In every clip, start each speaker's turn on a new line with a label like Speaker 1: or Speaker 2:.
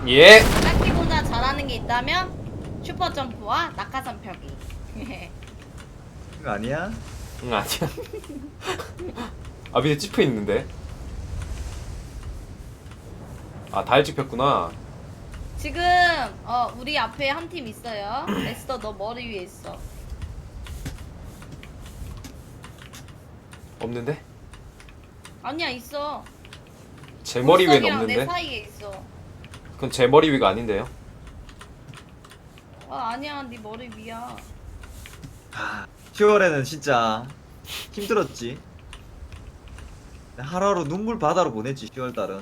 Speaker 1: 예.
Speaker 2: 딱히보다 잘하는 게 있다면 슈퍼 점프와 낙하산 펴기.
Speaker 3: 그거 아니야?
Speaker 1: 응 아니야. 아 밑에 찝혀 있는데. 아 달 찝혔구나.
Speaker 2: 지금 우리 앞에 한 팀 있어요. 에스더 너 머리 위에 있어.
Speaker 1: 없는데?
Speaker 2: 아니야 있어.
Speaker 1: 제 머리 위엔
Speaker 2: 보석이랑 내
Speaker 1: 없는데?
Speaker 2: 사이에 있어.
Speaker 1: 그건 제 머리 위가 아닌데요?
Speaker 2: 아니야 네 머리 위야.
Speaker 3: 10월에는 진짜 힘들었지. 하루하루 눈물 바다로 보냈지 10월달은.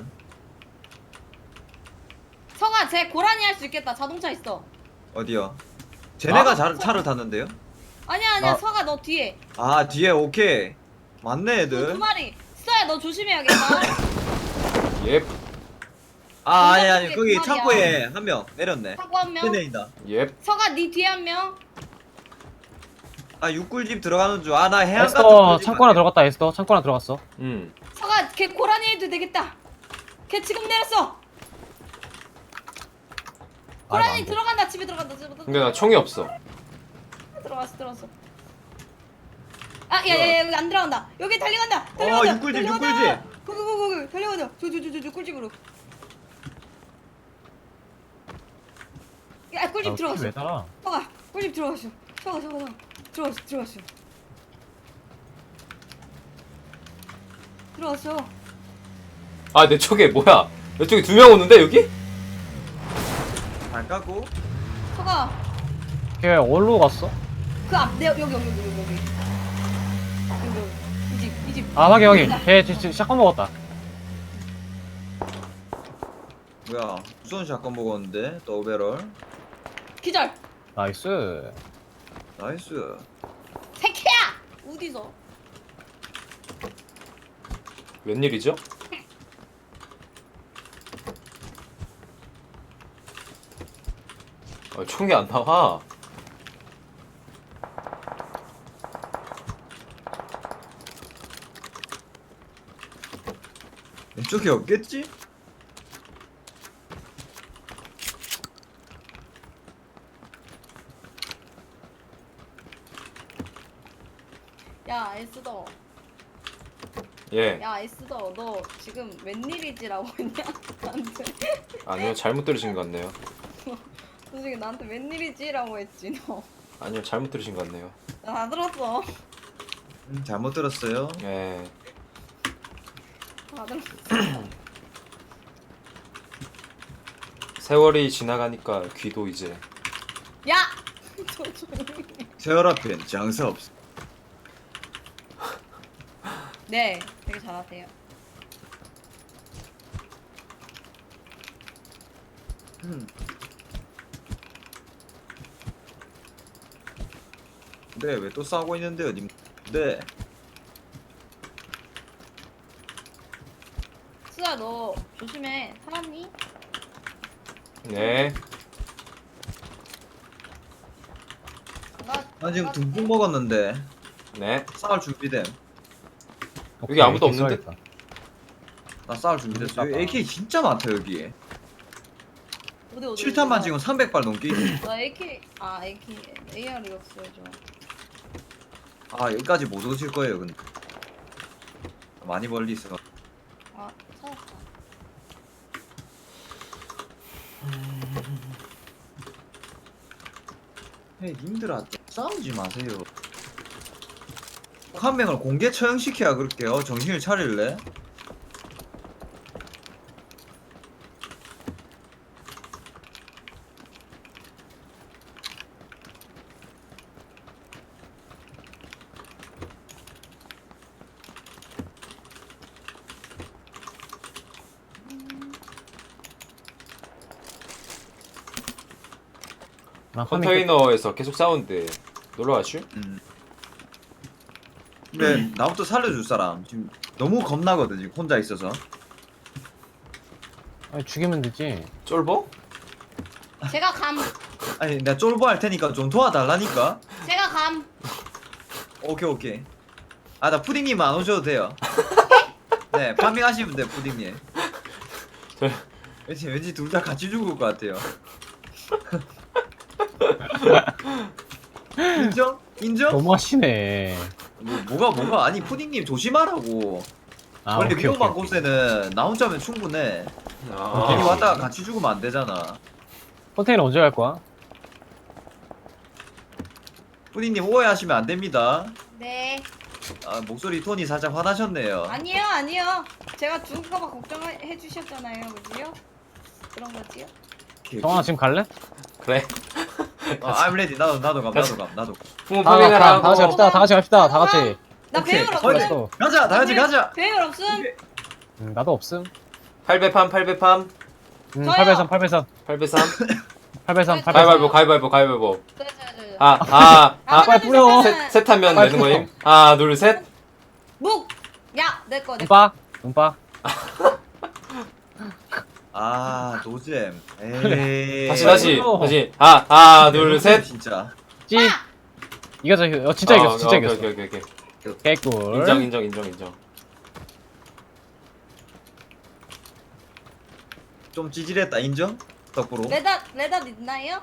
Speaker 2: 성아 쟤 고라니 할 수 있겠다. 자동차 있어.
Speaker 3: 어디요? 쟤네가
Speaker 1: 아?
Speaker 3: 차를 탔는데요?
Speaker 2: 아니야
Speaker 3: 나-
Speaker 2: 성아 너 뒤에.
Speaker 3: 아 뒤에 오케이. 맞네
Speaker 2: 두
Speaker 3: 애들.
Speaker 2: 마리. 스타야 너 조심해야겠다.
Speaker 1: 예.
Speaker 3: 아 아니
Speaker 2: 쪽에
Speaker 3: 거기
Speaker 2: 두 마리야.
Speaker 3: 창고에 한 명 내렸네.
Speaker 2: 하고 한 명.
Speaker 3: 쟤네이다.
Speaker 1: 예.
Speaker 2: 성아 네 뒤에 한 명.
Speaker 3: 아 육굴집 들어가는 줄. 아 나 해안 같은
Speaker 4: 에스더
Speaker 3: 꿀집
Speaker 4: 창고 하나
Speaker 3: 아니야?
Speaker 4: 들어갔다. 에스더 창고 하나 들어갔어.
Speaker 2: 성아 걔 고라니 해도 되겠다. 걔 지금 내렸어. 고라니
Speaker 4: 안 돼.
Speaker 2: 들어간다. 집에 들어간다. 집에 들어간다.
Speaker 1: 근데 나 총이 없어.
Speaker 2: 들어갔어. 야야야 여기 안 들어간다. 여기 달려간다. 달려간다.
Speaker 3: 육꿀집,
Speaker 2: 달려간다.
Speaker 3: 육꿀집.
Speaker 2: 거기 달려간다. 저 꿀집으로. 야 꿀집 들어갔어.
Speaker 4: 왜 달아?
Speaker 2: 서가 꿀집 들어갔어. 서가 들어갔어. 들어갔어.
Speaker 1: 아 내 쪽에 뭐야? 내 쪽에 2명 오는데 여기?
Speaker 3: 안 까고.
Speaker 2: 서가
Speaker 4: 걔 어디로 갔어?
Speaker 2: 그 앞 내 여기. 이 집.
Speaker 4: 아 확인. 걔 지금 샷건 먹었다.
Speaker 3: 뭐야 무슨 샷건 먹었는데 또 오베럴.
Speaker 2: 기절.
Speaker 4: 나이스.
Speaker 3: 나이스.
Speaker 2: 새끼야. 어디서?
Speaker 1: 웬일이죠? 총이 안 나와.
Speaker 3: 왼쪽에 없겠지?
Speaker 2: 야 에스더.
Speaker 1: 예.
Speaker 2: 야 에스더 너 지금 웬일이지라고 했냐? 나한테.
Speaker 1: 아니요 잘못 들으신 것 같네요.
Speaker 2: 너 지금 나한테 웬일이지라고 했지 너.
Speaker 1: 아니요 잘못 들으신 것 같네요.
Speaker 2: 나 다 들었어.
Speaker 3: 잘못 들었어요.
Speaker 1: 예.
Speaker 2: 다 들었어.
Speaker 1: 세월이 지나가니까 귀도 이제
Speaker 2: 야. 저 조용히 해.
Speaker 3: 세월 앞엔 장사 없어.
Speaker 2: 네, 되게 잘하세요.
Speaker 3: 네, 왜 또 싸우고 있는데요, 님? 네.
Speaker 2: 수아 너 조심해. 살았니?
Speaker 1: 네.
Speaker 3: 나 지금 둥둥 먹었는데
Speaker 1: 네.
Speaker 3: 싸울 준비됨.
Speaker 1: 여기 아무도
Speaker 4: 이렇게
Speaker 1: 없는데?
Speaker 4: 써야겠다.
Speaker 3: 나 싸울 준비됐어. 여기 AK 진짜 많다 여기.
Speaker 2: 어디
Speaker 3: 7탄만 지금 300발 넘게 있네.
Speaker 2: 나 AK AR이 없어야죠.
Speaker 3: 아 여기까지 못 오실 거예요, 근데. 많이 멀리 있어.
Speaker 2: 아 찾았다.
Speaker 3: 헤이 님들아 좀 싸우지 마세요. 한 명을 공개 처형시켜야 그럴게요. 정신을 차릴래?
Speaker 4: 나 화면
Speaker 1: 컨테이너에서 계속 싸우는데 놀러 가슈?
Speaker 3: 근데 나부터 살려줄 사람 지금 너무 겁나거든 지금 혼자 있어서.
Speaker 4: 아니, 죽이면 되지.
Speaker 1: 쫄보?
Speaker 2: 제가 감.
Speaker 3: 아니 내가 쫄보 할 테니까 좀 도와달라니까.
Speaker 2: 제가 감.
Speaker 3: 오케이. 아 나 푸딩님 안 오셔도 돼요. 네 파밍하시면 돼요 푸딩님. 왠지 둘 다 같이 죽을 것 같아요. 인정? 인정?
Speaker 4: 너무하시네.
Speaker 3: 뭐가 아니 푸딩님 조심하라고.
Speaker 4: 아,
Speaker 3: 원래
Speaker 4: 오케이,
Speaker 3: 위험한
Speaker 4: 오케이, 오케이.
Speaker 3: 곳에는 나 혼자면 충분해.
Speaker 1: 아,
Speaker 3: 괜히 왔다가 같이 죽으면 안 되잖아.
Speaker 4: 컨테이너 언제 갈 거야?
Speaker 3: 푸딩님 오해하시면 안 됩니다.
Speaker 2: 네.
Speaker 3: 아, 목소리 톤이 살짝 화나셨네요.
Speaker 2: 아니요, 아니요. 제가 죽을까봐 걱정해 주셨잖아요, 그지요? 그런 거지요?
Speaker 4: 정아 지금 갈래?
Speaker 1: 그래.
Speaker 3: I'm ready. 나도 감.
Speaker 1: 부모
Speaker 4: 다
Speaker 1: 파밍을 하고.
Speaker 4: 같이 갑시다. 다 같이 갑시다. 다 같이.
Speaker 2: 나
Speaker 3: 오케이.
Speaker 2: 배울
Speaker 3: 어이,
Speaker 2: 없음.
Speaker 4: 또.
Speaker 3: 가자. 다 같이 가자.
Speaker 2: 배울 없음.
Speaker 4: 나도 없음.
Speaker 1: 8배팜 8배팜
Speaker 2: 저요.
Speaker 4: 8배선 8배선
Speaker 1: 8배삼
Speaker 4: 8배선 8배선.
Speaker 1: 가위바위보.
Speaker 2: 네.
Speaker 4: 빨리 뿌려.
Speaker 1: 셋 하면
Speaker 4: 빨리
Speaker 1: 되는 거임.
Speaker 4: 뿌려.
Speaker 1: 하나 둘 셋.
Speaker 2: 묵. 야, 내 거.
Speaker 4: 눈빠. 눈빠.
Speaker 3: 아, 노잼. 에이.
Speaker 1: 다시.
Speaker 4: 뿌려.
Speaker 1: 하나 둘 셋.
Speaker 3: 진짜.
Speaker 4: 찌. 이겼어. 진짜 이겼어. 진짜 이겼어.
Speaker 1: 오케이.
Speaker 4: 개꿀.
Speaker 1: 인정.
Speaker 3: 좀 찌질했다. 인정? 덕구로.
Speaker 2: 레닷 있나요?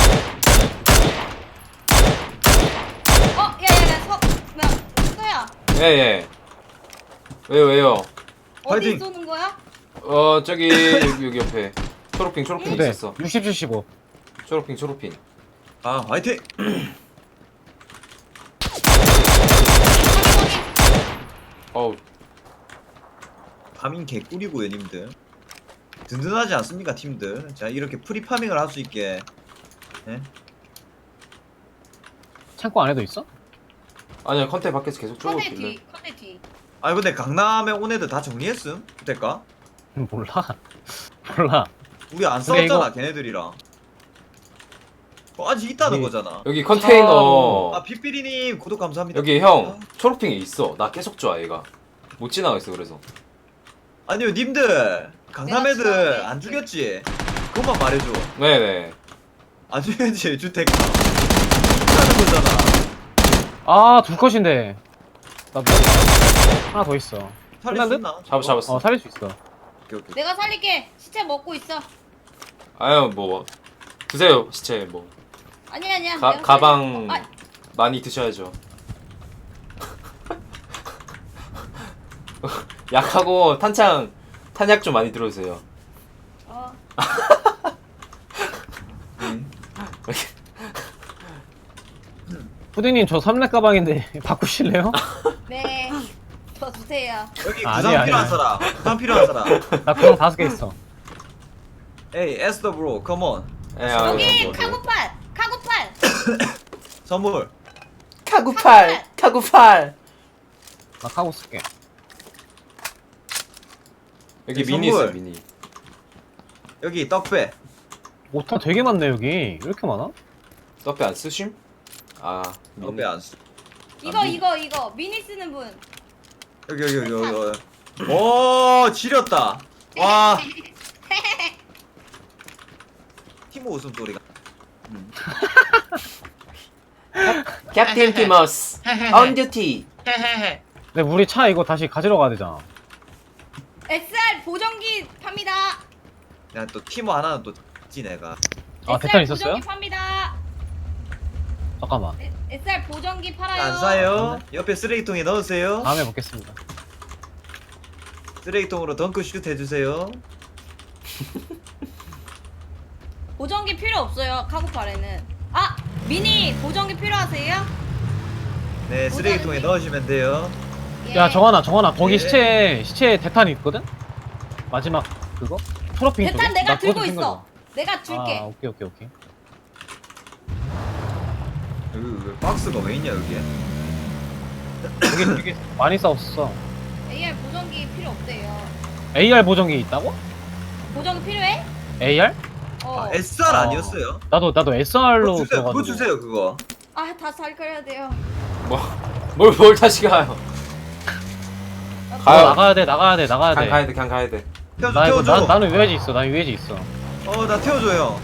Speaker 2: 야야야 뭐야?
Speaker 1: 예. 왜요?
Speaker 2: 어디
Speaker 3: 파이팅!
Speaker 2: 쏘는 거야?
Speaker 1: 저기 여기 옆에 초록핑
Speaker 4: 네.
Speaker 1: 있었어.
Speaker 4: 60 75.
Speaker 1: 초록핑.
Speaker 3: 아, 화이팅!
Speaker 1: 어우
Speaker 3: 파밍 개꿀이고요, 님들. 든든하지 않습니까, 팀들? 자, 이렇게 프리파밍을 할 수 있게. 예?
Speaker 4: 창고 안에도 있어?
Speaker 1: 아니야 컨테 밖에서 계속 쪼고
Speaker 2: 컨대
Speaker 1: 있길래.
Speaker 2: 뒤. 컨대 뒤.
Speaker 3: 아니, 근데 강남에 온 애들 다 정리했음? 그때까?
Speaker 4: 몰라.
Speaker 3: 우리 안
Speaker 4: 근데
Speaker 3: 싸웠잖아, 걔네들이랑. 아직 있다는
Speaker 4: 우리-
Speaker 3: 거잖아.
Speaker 1: 여기 컨테이너
Speaker 3: 아, 빗비리님, 구독 감사합니다.
Speaker 1: 여기 형 초록핑이 있어. 나 계속 좋아 얘가. 못 지나가겠어 그래서.
Speaker 3: 아니요, 님들. 강남
Speaker 2: 내가
Speaker 3: 애들
Speaker 2: 지나갈게.
Speaker 3: 안 죽였지? 그것만 말해줘.
Speaker 1: 네네.
Speaker 3: 안 죽였지, 주택. 하는 거잖아.
Speaker 4: 아, 둘 컷인데. 나 뭐? 하나 더 있어.
Speaker 3: 살릴 수
Speaker 4: 끝났네?
Speaker 3: 있나?
Speaker 1: 잡았어.
Speaker 4: 살릴 수 있어.
Speaker 3: 오케이.
Speaker 2: 내가 살릴게. 시체 먹고 있어.
Speaker 1: 아유 뭐 드세요 시체 뭐.
Speaker 2: 아니야. 내가
Speaker 1: 가방
Speaker 2: 살릴게.
Speaker 1: 많이 드셔야죠. 약하고 탄약 좀 많이 들어주세요.
Speaker 3: 응.
Speaker 4: 푸딩님 저 3렙 가방인데 바꾸실래요?
Speaker 2: 네. 저 주세요.
Speaker 3: 여기
Speaker 4: 아니야,
Speaker 3: 부상 필요한
Speaker 4: 아니야.
Speaker 3: 사람. 부상 필요한 사람.
Speaker 4: 나 그거 5개 있어.
Speaker 3: 에이, 에스더 브로, 컴온.
Speaker 1: 예,
Speaker 2: 여기
Speaker 1: 뭐.
Speaker 2: 카고팔.
Speaker 3: 선물.
Speaker 1: 카구팔.
Speaker 4: 나 카고 쓸게.
Speaker 1: 여기
Speaker 3: 네,
Speaker 1: 미니
Speaker 3: 선물.
Speaker 1: 있어 미니.
Speaker 3: 여기 떡배.
Speaker 4: 오타 되게 많네 여기. 왜 이렇게 많아?
Speaker 1: 떡배 안 쓰심? 아 미니.
Speaker 3: 떡배 안 쓰.
Speaker 2: 이거 미니 쓰는 분.
Speaker 3: 여기. 오, 지렸다. 와. 티모 웃음소리가.
Speaker 1: 캡틴 티머스 on duty.
Speaker 4: 근데 우리 차 이거 다시 가지러 가야 되잖아.
Speaker 2: SR 보정기 팝니다.
Speaker 3: 야, 또 티모 하나는 또 지 내가.
Speaker 4: 아,
Speaker 2: SR
Speaker 4: 대탄 있었어요?
Speaker 2: 보정기 팝니다.
Speaker 4: 잠깐만.
Speaker 2: SR 보정기 팔아요.
Speaker 3: 안 사요? 옆에 쓰레기통에 넣으세요.
Speaker 4: 다음에 먹겠습니다.
Speaker 3: 쓰레기통으로 덩크슛 해주세요.
Speaker 2: 보정기 필요 없어요. 카고팔에는. 미니 보정기 필요하세요?
Speaker 3: 네, 쓰레기통에 넣으시면 돼요.
Speaker 2: 예.
Speaker 4: 야, 정환아, 거기
Speaker 3: 네.
Speaker 4: 시체 대탄 있거든? 마지막 그거? 초록핑 쪽에?
Speaker 2: 대탄 내가
Speaker 4: 나 그거
Speaker 2: 들고
Speaker 4: 좀
Speaker 2: 있어.
Speaker 4: 챙겨줘.
Speaker 2: 내가 줄게.
Speaker 4: 아, 오케이.
Speaker 3: 여기 왜 박스가 왜 있냐 여기에?
Speaker 4: 여기 되게 많이 싸웠어.
Speaker 2: AR 보정기 필요 없대요.
Speaker 4: AR 보정기 있다고?
Speaker 2: 보정기 필요해?
Speaker 4: AR?
Speaker 3: 아, SR 아니었어요?
Speaker 4: 나도 SR로
Speaker 3: 그거 주세요.
Speaker 4: 들어가지고.
Speaker 3: 그거 주세요 그거.
Speaker 2: 다 살거려야 돼요.
Speaker 1: 뭘 다시 가요? 가요.
Speaker 4: 나가야 돼.
Speaker 1: 그냥 가야 돼.
Speaker 3: 태워줘.
Speaker 4: 나는 유해지 있어.
Speaker 3: 나 태워줘요.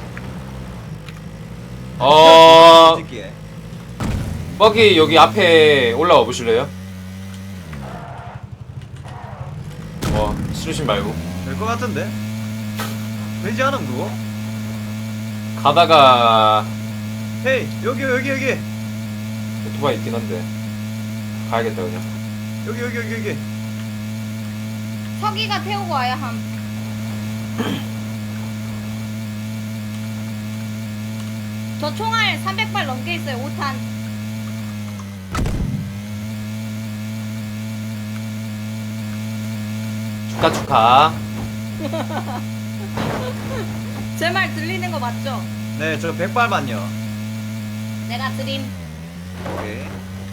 Speaker 3: 솔직히.
Speaker 1: 버기 여기 앞에 올라와 보실래요? 싫으신 말고.
Speaker 3: 될 것 같은데? 되지 않음 그거?
Speaker 1: 가다가
Speaker 3: 헤이 여기
Speaker 1: 오토바이 있긴 한데 가야겠다 그냥.
Speaker 3: 여기
Speaker 2: 서기가 태우고 와야 함. 저 총알 300발 넘게 있어요. 5탄.
Speaker 1: 축하.
Speaker 2: 제 말 들리는 거 맞죠?
Speaker 3: 네 저 100발만요.
Speaker 2: 내가 드림.
Speaker 3: 오케이.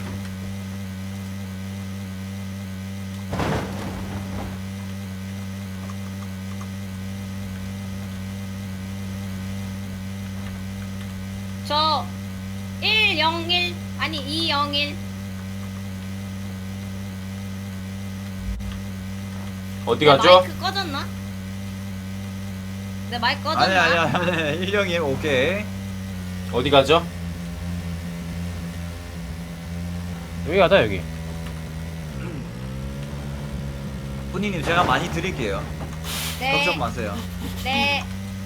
Speaker 2: 저 101 아니 201.
Speaker 1: 어디
Speaker 2: 내
Speaker 1: 가죠?
Speaker 2: 마이크 꺼졌나? 내 마이크 꺼졌나?
Speaker 3: 아니 일령님 오케이.
Speaker 1: 어디 가죠?
Speaker 4: 여기 가자 여기.
Speaker 3: 분이님 제가 많이 드릴게요.
Speaker 2: 네.
Speaker 3: 걱정 마세요.
Speaker 2: 네.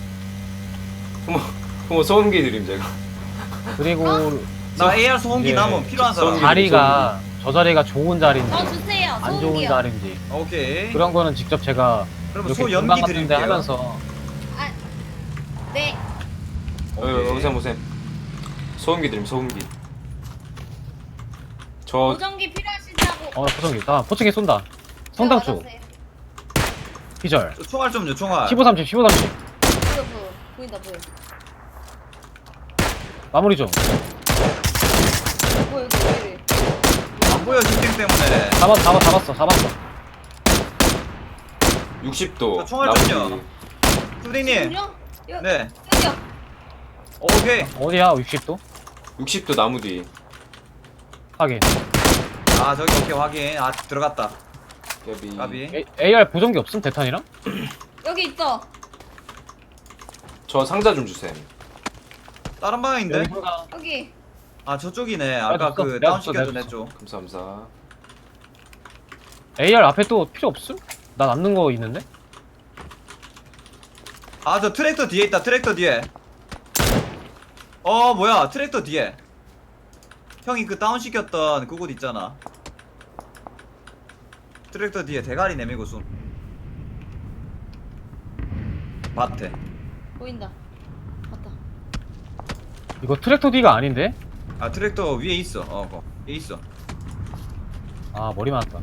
Speaker 1: 그럼 소음기 드림 제가.
Speaker 4: 그리고
Speaker 3: 나 AR 소음기
Speaker 4: 예.
Speaker 3: 남으면 필요한 사람.
Speaker 1: 소음기.
Speaker 4: 자리가 저 자리가 좋은 자리인지
Speaker 2: 저 주세요.
Speaker 4: 안 좋은
Speaker 2: 소음기요.
Speaker 4: 자리인지
Speaker 3: 오케이.
Speaker 4: 그런 거는 직접 제가
Speaker 3: 그러면
Speaker 4: 이렇게
Speaker 3: 소
Speaker 4: 금방
Speaker 3: 연기
Speaker 4: 같은데
Speaker 3: 드릴게요.
Speaker 4: 하면서
Speaker 2: 아, 네.
Speaker 3: 오케이.
Speaker 1: 오셈. 소음기 드림 소음기. 저
Speaker 2: 보정기 필요하시다고.
Speaker 4: 포성기 나 포칭에 쏜다. 성당 쪽
Speaker 2: 알았어요.
Speaker 4: 기절.
Speaker 3: 저 총알 좀요 총알.
Speaker 4: 15, 30, 15, 30
Speaker 2: 보인다 보여.
Speaker 4: 마무리 좀.
Speaker 2: 보여 여기 왜 이래?
Speaker 3: 안 보여 집중 때문에.
Speaker 4: 잡았어.
Speaker 1: 60도.
Speaker 3: 저 총알
Speaker 1: 나머지.
Speaker 3: 좀요. 수딩님. 네.
Speaker 2: 여기요.
Speaker 3: 오케이.
Speaker 4: 어디야 60도?
Speaker 1: 60도 나무 뒤.
Speaker 4: 확인.
Speaker 3: 아 저기 오케이 확인. 아 들어갔다.
Speaker 1: 까비.
Speaker 3: 까비.
Speaker 4: AR 보정기 없음 대탄이랑?
Speaker 2: 여기 있어.
Speaker 1: 저 상자 좀 주셈.
Speaker 3: 다른 방향인데?
Speaker 4: 여기 상당.
Speaker 2: 여기.
Speaker 3: 아 저쪽이네. 아까
Speaker 4: 줬어.
Speaker 3: 그
Speaker 4: 내가
Speaker 3: 다운
Speaker 4: 줬어,
Speaker 3: 시켜준
Speaker 4: 내가
Speaker 3: 애쪽.
Speaker 1: 감사합니다.
Speaker 4: AR 앞에 또 필요 없음? 나 남는 거 있는데?
Speaker 3: 아 저 트랙터 뒤에 있다. 트랙터 뒤에. 뭐야 트랙터 뒤에. 형이 그 다운 시켰던 그곳 있잖아. 트랙터 뒤에 대가리 내밀고 숨. 밭에.
Speaker 2: 보인다. 맞다.
Speaker 4: 이거 트랙터 D가 아닌데?
Speaker 3: 아 트랙터 위에 있어. 거 위에 있어.
Speaker 4: 아 머리 맞았다.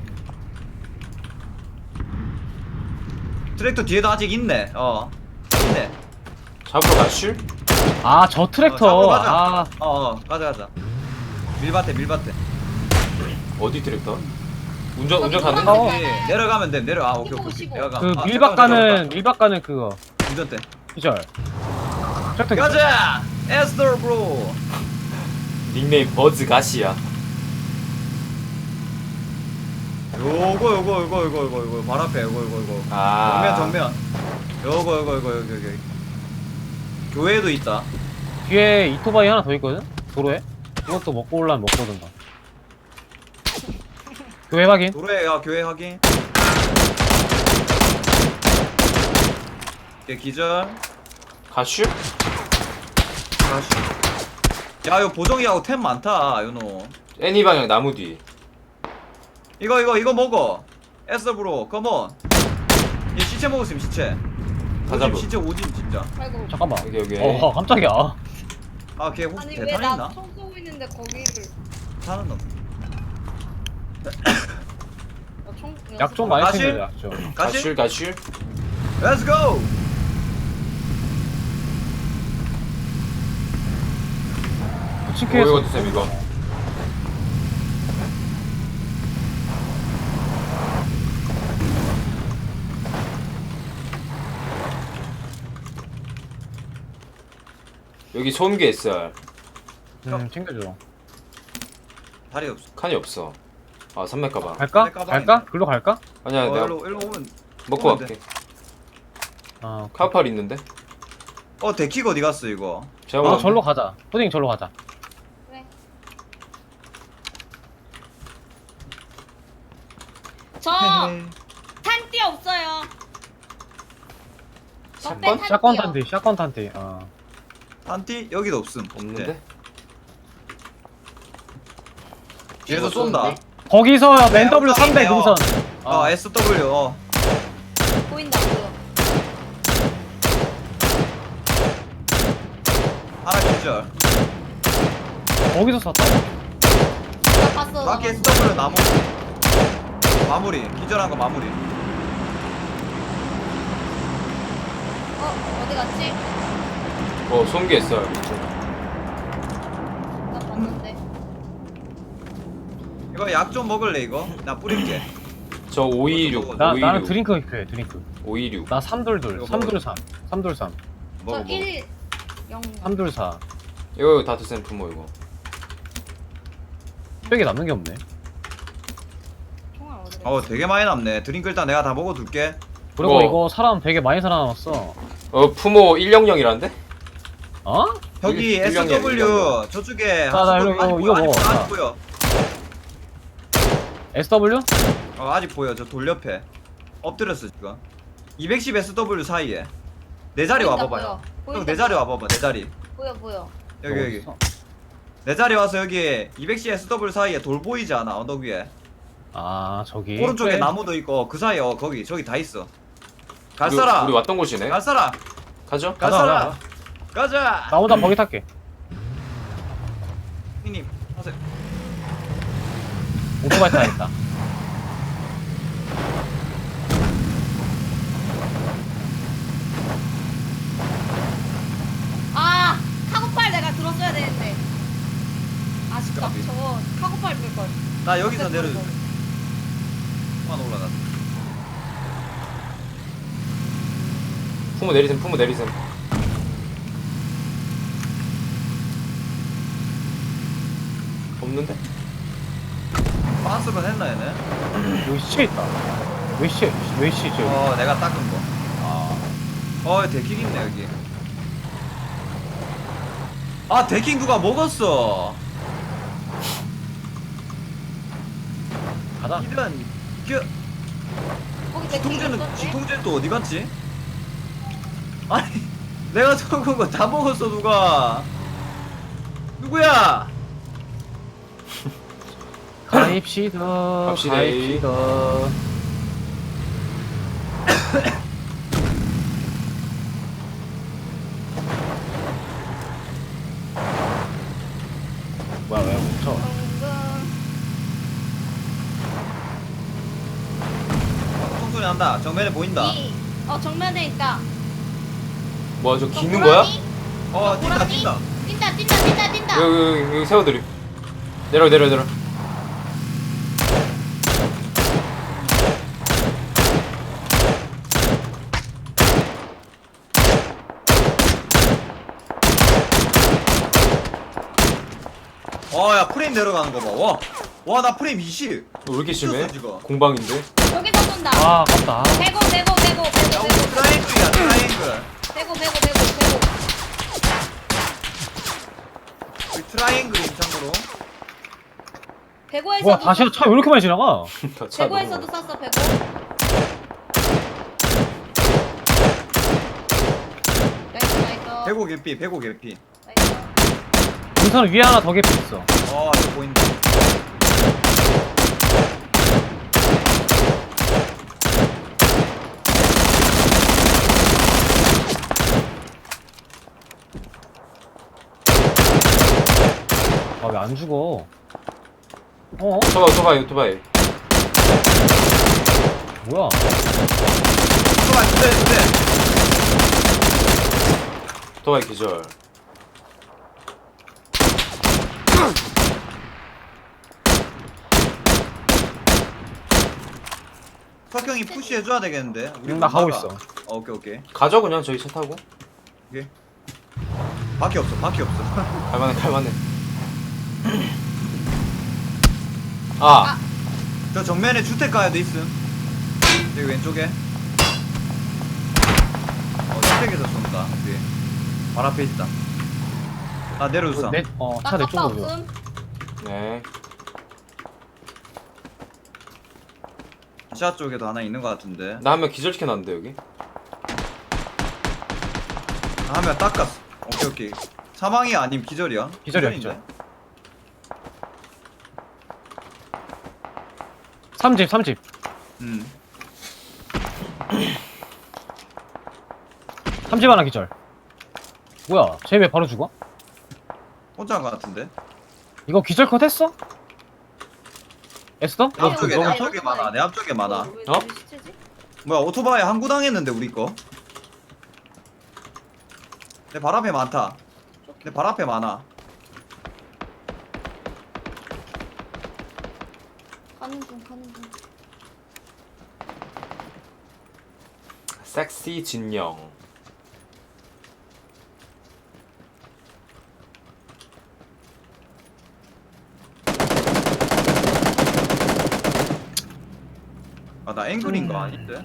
Speaker 3: 트랙터 뒤에도 아직 있네. 있네.
Speaker 1: 잡으러 가실?
Speaker 4: 아 저 트랙터.
Speaker 3: 잡으러 가자.
Speaker 4: 아
Speaker 3: 가자. 밀밭에.
Speaker 1: 어디 트랙터? 운전
Speaker 2: 저기
Speaker 1: 가능?
Speaker 2: 도망가.
Speaker 3: 여기 내려가면 돼. 오케이.
Speaker 2: 15.
Speaker 3: 내가 가.
Speaker 4: 그
Speaker 3: 아,
Speaker 4: 밀박
Speaker 3: 잠깐만.
Speaker 4: 가는 그거
Speaker 3: 운전대.
Speaker 4: 기절. 트랙터 기절.
Speaker 3: 가자. 에스더 브로.
Speaker 1: 닉네임 버즈 가시야.
Speaker 3: 요거 발 앞에 요거
Speaker 1: 아.
Speaker 3: 정면 요거 여기 교회도 있다.
Speaker 4: 뒤에 이토바이 하나 더 있거든? 도로에? 이것도 먹고 올라면 먹거든가. 교회 확인.
Speaker 3: 도로에 교회 확인. 오케이 기절.
Speaker 1: 가실?
Speaker 3: 다시. 야요 보정이하고 템 많다 요노.
Speaker 1: 애니 방향 나무 뒤.
Speaker 3: 이거 먹어. 에스더 브로 컴온. 얘 시체 먹었음 시체.
Speaker 1: 다
Speaker 3: 오짐
Speaker 1: 잡음.
Speaker 3: 시체 오짐 진짜.
Speaker 2: 아이고.
Speaker 4: 잠깐만.
Speaker 1: 여기.
Speaker 4: 깜짝이야.
Speaker 3: 걔 혹시
Speaker 2: 아니
Speaker 3: 대탄
Speaker 2: 왜 나
Speaker 3: 있나?
Speaker 2: 총 쏘고 있는데 거기를
Speaker 3: 타는 놈.
Speaker 2: 총
Speaker 4: 약 좀 많이
Speaker 3: 가실?
Speaker 4: 챙겨줘, 약 좀.
Speaker 3: 가실?
Speaker 1: 가실?
Speaker 3: Let's go.
Speaker 4: 부침개에서
Speaker 1: 이거 드셈 이거. 여기 소음기 SR.
Speaker 4: 챙겨줘.
Speaker 3: 다리 없어.
Speaker 1: 칸이 없어. 아 산맥 가방.
Speaker 4: 갈까?
Speaker 3: 내 가방이네.
Speaker 4: 갈까? 글로 갈까?
Speaker 1: 아니야 내가
Speaker 3: 일로 오면.
Speaker 1: 먹고
Speaker 3: 오면
Speaker 1: 갈게.
Speaker 4: 아, 오케이.
Speaker 1: 카우팔 있는데?
Speaker 3: 데킥 어디 갔어 이거?
Speaker 1: 제가
Speaker 4: 아,
Speaker 1: 먹었는데?
Speaker 4: 절로 가자. 푸딩 절로 가자.
Speaker 2: 그래. 저 탄띠 없어요. 저
Speaker 1: 샷건?
Speaker 4: 샷건 탄티, 샷건 탄티. 아.
Speaker 3: 한티 여기도 없음.
Speaker 1: 없는데?
Speaker 3: 네. 뒤에서 쏜다.
Speaker 4: 거기서 NW 300
Speaker 3: 어.
Speaker 4: 능선.
Speaker 3: SW.
Speaker 2: 보인다 보여.
Speaker 3: 하나 기절.
Speaker 4: 거기서 쐈다고?
Speaker 2: 나 봤어.
Speaker 3: 마키 SW 나무. 마무리. 기절한 거 마무리.
Speaker 2: 어디 갔지?
Speaker 1: 손기 있어요.
Speaker 2: 나 봤는데.
Speaker 3: 이거 약 좀 먹을래 이거? 나 뿌릴게.
Speaker 1: 저 526.
Speaker 4: 나는 드링크 필요해, 드링크.
Speaker 1: 526.
Speaker 4: 나 3둘둘,
Speaker 3: 이거
Speaker 4: 3둘3. 3둘3.
Speaker 3: 먹어
Speaker 2: 저
Speaker 3: 먹어.
Speaker 2: 1, 0.
Speaker 4: 3둘4.
Speaker 1: 이거 다 드세요, 부모 이거.
Speaker 4: 뼈에 남는 게 없네.
Speaker 2: 총알 어디 갔지?
Speaker 3: 되게 많이 남네. 드링크 일단 내가 다 먹어둘게.
Speaker 4: 그리고
Speaker 1: 이거-
Speaker 4: 이거 사람 되게 많이 살아남았어.
Speaker 1: 푸모 100이란데?
Speaker 4: 어?
Speaker 3: 여기
Speaker 1: 일령이야,
Speaker 3: SW
Speaker 1: 일령.
Speaker 3: 저쪽에
Speaker 4: 나 이거 먹어.
Speaker 3: 아직 보여.
Speaker 4: SW?
Speaker 3: 아직 보여. 저 돌 옆에 엎드렸어 지금. 210 SW 사이에 내 자리
Speaker 2: 보인다,
Speaker 3: 와봐봐요.
Speaker 2: 보여.
Speaker 3: 형 내 자리 와봐봐. 내 자리.
Speaker 2: 보여.
Speaker 3: 여기
Speaker 4: 어딨어?
Speaker 3: 내 자리 와서 여기 210 SW 사이에 돌 보이지 않아? 언덕 위에
Speaker 4: 아, 저기.
Speaker 3: 오른쪽에
Speaker 4: 그래.
Speaker 3: 나무도 있고 그 사이에 거기 저기 다 있어. 갈
Speaker 1: 우리,
Speaker 3: 사람.
Speaker 1: 우리 왔던 곳이네.
Speaker 3: 갈 사람.
Speaker 1: 가죠?
Speaker 3: 갈
Speaker 4: 가자,
Speaker 3: 사람.
Speaker 4: 가자.
Speaker 3: 가자.
Speaker 4: 나보다 버기 탈게.
Speaker 3: 형님 하세요.
Speaker 4: 오토바이 타야겠다.
Speaker 2: 아, 카고팔 내가 들었어야 되는데. 아쉽다.
Speaker 3: 까비.
Speaker 2: 저거 카고팔 들 걸.
Speaker 3: 나 여기서 내려줄게. 만 올라가.
Speaker 1: 푸모 내리셈, 푸모 내리셈. 없는데?
Speaker 3: 반스만 했나 얘네?
Speaker 4: 여기 시체 있다. 왜 시체?
Speaker 3: 내가 닦은 거.
Speaker 4: 아.
Speaker 3: 데킹 있네 여기. 데킹 누가 먹었어?
Speaker 4: 가자.
Speaker 3: 이런
Speaker 2: 거기 내
Speaker 3: 지통제는 또 어디 갔지? 아니 내가 적은 거 다 먹었어 누가? 누구야?
Speaker 4: 가입시다.
Speaker 1: 갑시다.
Speaker 4: 가입시다. 뭐야, 왜 멈춰?
Speaker 3: 총소리 난다. 정면에 보인다.
Speaker 2: 정면에 있다.
Speaker 1: 뭐야, 저
Speaker 2: 저
Speaker 1: 기는 거야?
Speaker 2: 호랑이?
Speaker 3: 뛴다
Speaker 2: 호랑이?
Speaker 3: 뛴다.
Speaker 2: 뛴다.
Speaker 1: 여기 세워드림. 내려.
Speaker 3: 야 프레임 내려가는 거 봐. 와 나 프레임 20.
Speaker 1: 왜 이렇게 심해?
Speaker 3: 미쳤어, 지금.
Speaker 1: 공방인데?
Speaker 2: 여기서 쏜다.
Speaker 4: 아, 아깝다.
Speaker 2: 배고.
Speaker 3: 야 우리 트라이앵글이야 트라이앵글.
Speaker 2: 배고.
Speaker 3: 우리 트라이앵글임 참고로.
Speaker 2: 배고에서도
Speaker 4: 와, 다시 차 왜 이렇게 많이 지나가?
Speaker 1: 차
Speaker 2: 배고에서도
Speaker 1: 너무-
Speaker 2: 쐈어. 배고. 나이스.
Speaker 3: 배고 개피 배고 개피.
Speaker 2: 나이스.
Speaker 4: 능선 위에 하나 더 개피 있어.
Speaker 3: 저 보인다.
Speaker 4: 아, 왜 안 죽어?
Speaker 1: 오토바이.
Speaker 4: 뭐야?
Speaker 3: 잠깐만 근데
Speaker 1: 오토바이 기절.
Speaker 3: 석형이 푸시해줘야 되겠는데. 우리
Speaker 4: 나 가고
Speaker 3: 나가.
Speaker 4: 있어.
Speaker 3: 오케이.
Speaker 1: 가죠, 그냥 저희 차 타고.
Speaker 3: 바퀴 없어.
Speaker 1: 갈만해.
Speaker 3: 저 정면에 주택가에도 있음. 여기 왼쪽에. 주택에서 쏜다. 뒤에. 발 앞에 있다. 내려줬어.
Speaker 4: 차 내
Speaker 2: 나 kappa
Speaker 4: 쪽으로 줘.
Speaker 2: 없음.
Speaker 1: 네.
Speaker 3: 아시아 쪽에도 하나 있는 것 같은데.
Speaker 1: 나 한 명 기절시켜놨는데, 여기.
Speaker 3: 하면 닦았어. 오케이. 사망이 아님 기절이야?
Speaker 4: 기절이야,
Speaker 3: 기절인데?
Speaker 4: 3집.
Speaker 3: 음.
Speaker 4: 3집 하나 기절. 뭐야, 쟤 왜 바로 죽어?
Speaker 3: 혼자인 것 같은데?
Speaker 4: 이거 기절 컷 했어? 에스더?
Speaker 3: 내 앞쪽에
Speaker 2: 너무
Speaker 3: 내 앞쪽에 많아. 내 앞쪽에 많아.
Speaker 2: 왜
Speaker 1: 어?
Speaker 2: 시체지?
Speaker 3: 뭐야 오토바이 항구 당했는데 우리 거? 내 발 앞에 많다. 내 발 앞에 많아.
Speaker 2: 가는 중.
Speaker 1: 섹시 진영.
Speaker 3: 아 나 앵글인 거 아닌데?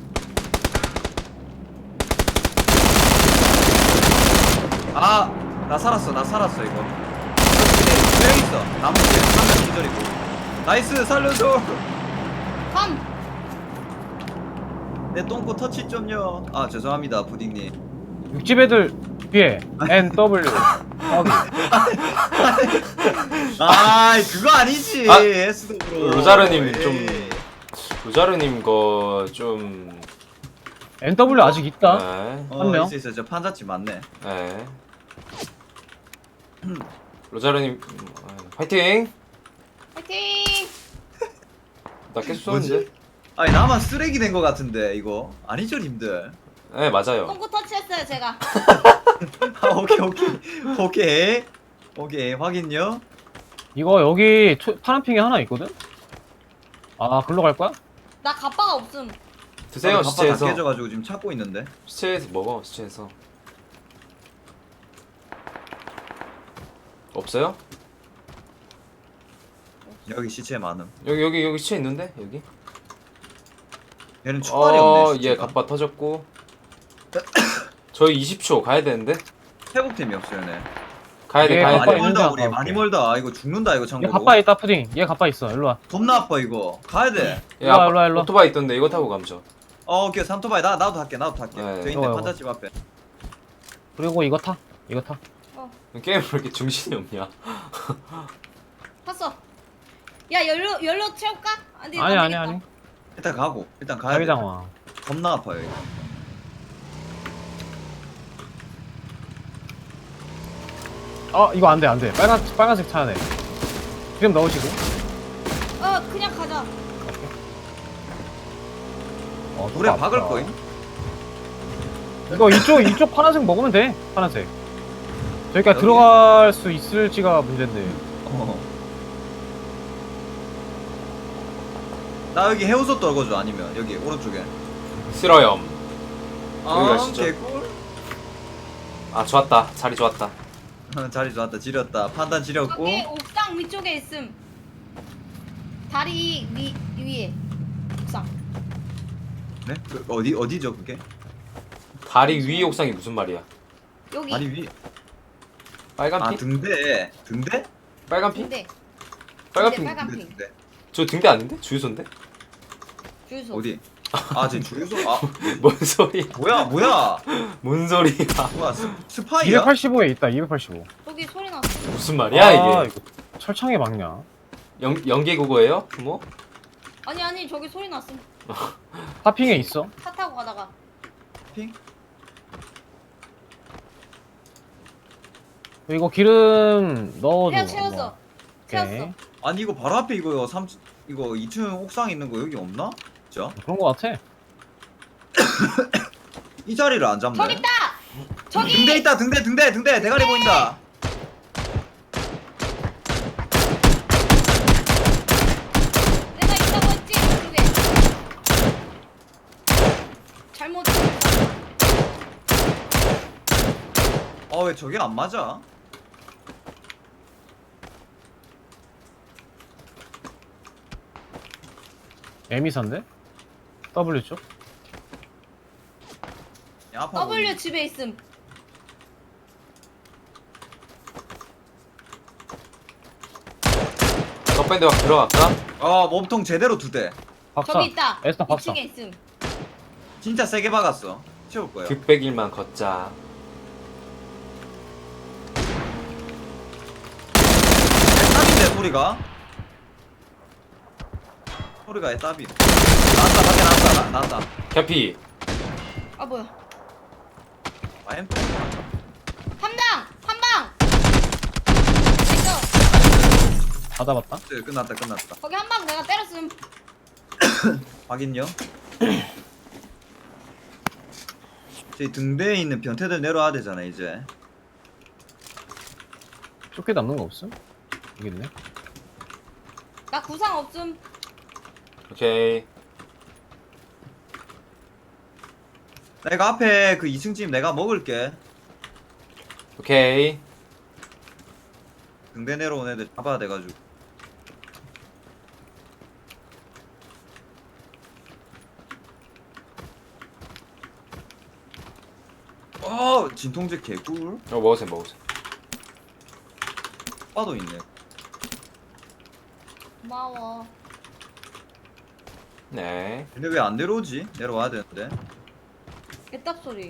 Speaker 3: 아 나 살았어 이거. 명 있어. 나무 뒤에 한명 기절이고. 나이스 살려줘.
Speaker 2: 감.
Speaker 3: 내 똥꼬 터치 좀요. 아 죄송합니다 부딩님.
Speaker 4: 육집 애들 뒤에 NW 거기.
Speaker 3: 아 그거 아니지.
Speaker 1: 아,
Speaker 3: S도
Speaker 1: 로자르님 좀 로자르님 거 좀.
Speaker 4: NW 아직 있다.
Speaker 1: 네.
Speaker 4: 한 명?
Speaker 3: 있어 저 판자집 맞네.
Speaker 1: 네. 로자르님 화이팅.
Speaker 2: 파이팅.
Speaker 1: 나 계속 쏘는데.
Speaker 3: 아니 나만 쓰레기 된 거 같은데 이거 아니죠 님들?
Speaker 1: 네 맞아요.
Speaker 2: 똥꼬 터치했어요 제가.
Speaker 3: 아 오케이 확인요.
Speaker 4: 이거 여기 파란핑이 하나 있거든? 아, 글로 갈 거야?
Speaker 2: 나 가빠가 없음.
Speaker 1: 드세요
Speaker 3: 다
Speaker 1: 시체에서.
Speaker 3: 깨져가지고 지금 찾고 있는데.
Speaker 1: 시체에서 먹어 시체에서. 없어요?
Speaker 3: 여기 시체 많음.
Speaker 1: 여기 시체 있는데 여기.
Speaker 3: 얘는 초발이 없네.
Speaker 1: 얘 갑바 터졌고. 저희 20초 가야 되는데.
Speaker 3: 회복템이 없어요, 얘네.
Speaker 1: 가야 돼
Speaker 4: 예,
Speaker 1: 가야
Speaker 3: 많이
Speaker 1: 돼.
Speaker 4: 있는데
Speaker 3: 멀다
Speaker 4: 안
Speaker 3: 우리
Speaker 4: 가볼게.
Speaker 3: 많이 멀다. 이거 죽는다 이거
Speaker 4: 얘
Speaker 3: 참고로.
Speaker 4: 가빠 있다, 푸딩. 얘 가빠 있어. 일로 와.
Speaker 3: 겁나 아파 이거. 가야 돼.
Speaker 1: 예,
Speaker 4: 일로와, 일로와, 일로와.
Speaker 1: 오토바이 있던데 이거 타고 가면 죠.
Speaker 3: 오케이 삼토바이 나도 탈게.
Speaker 1: 네.
Speaker 3: 저 있네
Speaker 4: 이거.
Speaker 3: 판자집 앞에.
Speaker 4: 그리고 이거 타.
Speaker 1: 게임 왜 이렇게 정신이 없냐?
Speaker 2: 봤어. 야 연료 채울까? 아니
Speaker 4: 아니.
Speaker 3: 일단 가고 일단 가야 돼.
Speaker 4: 자기장화.
Speaker 3: 겁나 아파요 이거.
Speaker 4: 이거 안 돼. 빨간색 차야 돼. 지금 넣으시고.
Speaker 2: 그냥 가자.
Speaker 3: 물에
Speaker 4: 아프다.
Speaker 3: 박을 거임.
Speaker 4: 이거 이쪽 파란색 먹으면 돼. 파란색. 저기가
Speaker 3: 여기?
Speaker 4: 들어갈 수 있을지가 문제인데.
Speaker 3: 나 여기 해우소 떨궈줘 아니면 여기 오른쪽에.
Speaker 1: 싫어요.
Speaker 3: 아
Speaker 1: 여기가 진짜.
Speaker 3: 개꿀.
Speaker 1: 아 좋았다. 자리 좋았다.
Speaker 3: 자리 좋았다 지렸다 판단 지렸고.
Speaker 2: 저기 옥상 위쪽에 있음. 다리 위에. 옥상.
Speaker 3: 네? 그 어디죠 그게?
Speaker 1: 다리 위 옥상이 무슨 말이야?
Speaker 2: 여기.
Speaker 3: 다리 위.
Speaker 1: 빨간
Speaker 3: 아
Speaker 1: 핀?
Speaker 3: 등대. 등대?
Speaker 1: 빨간 핀?
Speaker 2: 근데
Speaker 1: 빨간
Speaker 2: 근데
Speaker 1: 핀?
Speaker 2: 빨간
Speaker 3: 등대,
Speaker 2: 핑.
Speaker 3: 등대.
Speaker 1: 저 등대 아닌데? 주유소인데?
Speaker 2: 주유소.
Speaker 3: 어디? 아 지금 주유소? 아
Speaker 1: 뭔 소리야?
Speaker 3: 뭐야?
Speaker 1: 뭔 소리야?
Speaker 3: 뭐야 스파이야?
Speaker 4: 285에 있다. 285.
Speaker 2: 저기 소리 났어.
Speaker 1: 무슨 말이야 이게?
Speaker 4: 이거 철창에 막냐?
Speaker 1: 연계 국어예요? 뭐?
Speaker 2: 아니 저기 소리 났음.
Speaker 4: 파핑에 있어.
Speaker 2: 차 타고 가다가.
Speaker 3: 핑?
Speaker 4: 이거 기름 넣어줘.
Speaker 2: 채웠어.
Speaker 4: 한번.
Speaker 2: 채웠어.
Speaker 4: 오케이.
Speaker 3: 아니 이거 바로 앞에 이거 이거 2층 옥상 있는 거 여기 없나? 진짜?
Speaker 4: 그런 거 같아.
Speaker 3: 이 자리를 안 잡네.
Speaker 2: 저기 있다. 저기.
Speaker 3: 등대 있다 등대 대가리 보인다.
Speaker 2: 내가 있다고 했지 집에. 잘못.
Speaker 3: 아 왜 저게 안 맞아?
Speaker 4: 에미사인데? W 쪽?
Speaker 3: 야, 아파
Speaker 2: W
Speaker 3: 보이네.
Speaker 2: 집에 있음.
Speaker 1: 덕밴드 막 들어갈까?
Speaker 3: 아 몸통 제대로 2대.
Speaker 4: 박사.
Speaker 2: 저기 있다.
Speaker 4: 에스터 박사.
Speaker 2: 2층에 있음.
Speaker 3: 진짜 세게 박았어. 채울 거야.
Speaker 1: 극백일만 걷자.
Speaker 3: 소리가? 소리가 애답이. 나왔다, 밖에 나왔다, 나왔다.
Speaker 1: 캐피.
Speaker 2: 아 뭐야?
Speaker 3: 아엠.
Speaker 2: 한방 이거
Speaker 4: 다 잡았다.
Speaker 3: 끝났다.
Speaker 2: 거기 한 방 내가 때렸음.
Speaker 3: 확인요. 저희 등대에 있는 변태들 내려와야 되잖아 이제.
Speaker 4: 쫓게 남는 거 없음? 여기 있네.
Speaker 2: 나 구상 없음.
Speaker 1: 오케이.
Speaker 3: 내가 앞에 그 2층 집 내가 먹을게.
Speaker 1: 오케이.
Speaker 3: 등대 내려온 애들 잡아야 돼가지고. 진통제 개꿀.
Speaker 1: 먹으세요.
Speaker 3: 빠도 있네.
Speaker 2: 고마워.
Speaker 1: 네.
Speaker 3: 근데 왜 안 내려오지? 내려와야 되는데.
Speaker 2: 개떡 소리.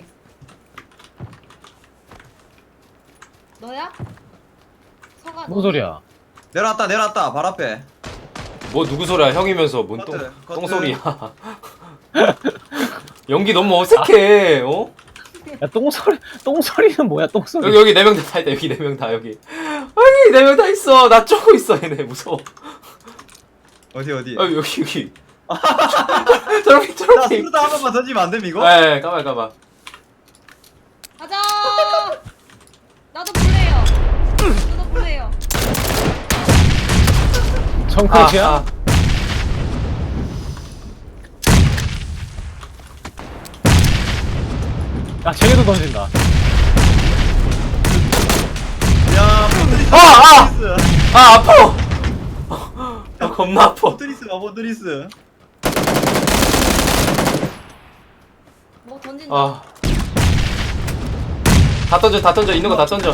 Speaker 2: 너야? 서가.
Speaker 4: 뭔 소리야?
Speaker 3: 내려왔다. 발 앞에.
Speaker 1: 뭐 누구 소리야? 형이면서 뭔
Speaker 3: 커트.
Speaker 1: 똥소리야. 연기 너무 어색해. 어?
Speaker 4: 야, 똥소리는 뭐야, 똥소리?
Speaker 1: 여기 4명 다 있다. 여기 4명 다 여기. 아니 4명 다 있어. 나 쫓고 있어. 얘네 무서워.
Speaker 3: 어디?
Speaker 1: 아 여기.
Speaker 3: 나
Speaker 1: 저렇게.
Speaker 3: 스루다 한 번만 던지면 안 됨 이거?
Speaker 1: 네, 까봐.
Speaker 2: 가자. 나도 볼래요.
Speaker 4: 청컷이야? 야, 쟤네도 던진다.
Speaker 3: 야, 포트리스.
Speaker 1: 아파. 야, 겁나 아파.
Speaker 3: 포트리스.
Speaker 2: 뭐 던진다.
Speaker 1: 아. 다 던져. 있는 거 다 던져.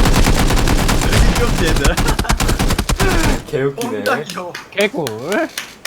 Speaker 3: 귀엽지 얘들.
Speaker 1: 개웃기네.
Speaker 3: 엄청 귀여워.
Speaker 4: 개꿀.